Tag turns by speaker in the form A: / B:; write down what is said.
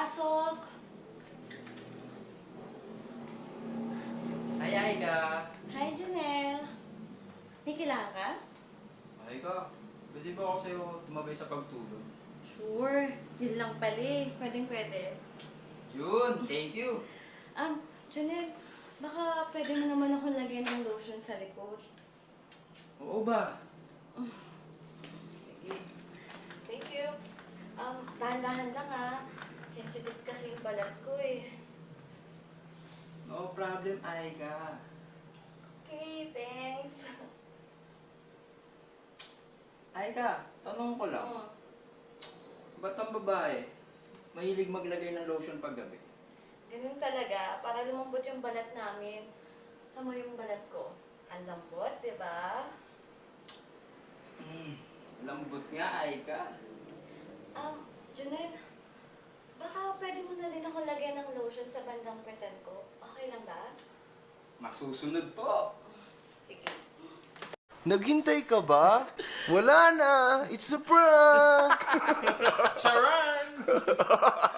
A: Pasok!
B: Ay, Aika.
A: Hi, Janelle. May kailangan ka?
B: Aika, pwede ba ako sa'yo tumabay sa pagtulog?
A: Sure. Yun lang pala eh. Pwedeng-pwede.
B: Yun, thank you.
A: Janelle, baka pwede mo naman ako lagyan ng lotion sa likod.
B: Oo ba?
A: Sige. Thank you. Dahan-dahan lang ha. Sensitive kasi yung balat ko eh.
B: No problem, Aika.
A: Okay, thanks.
B: Aika, tanong ko lang.
A: Oh.
B: Ba't ang babae mahilig maglagay ng lotion paggabi?
A: Ganun talaga, para lumambot yung balat namin. Tama yung balat ko. Ang lambot, di ba?
B: Lambot nga, Aika.
A: Junel, baka pwede mo na din ako lagyan ng lotion sa bandang petan ko. Okay lang ba?
B: Masusunod po.
A: Sige.
C: Naghintay ka ba? Wala na! It's a prank!
B: Charan!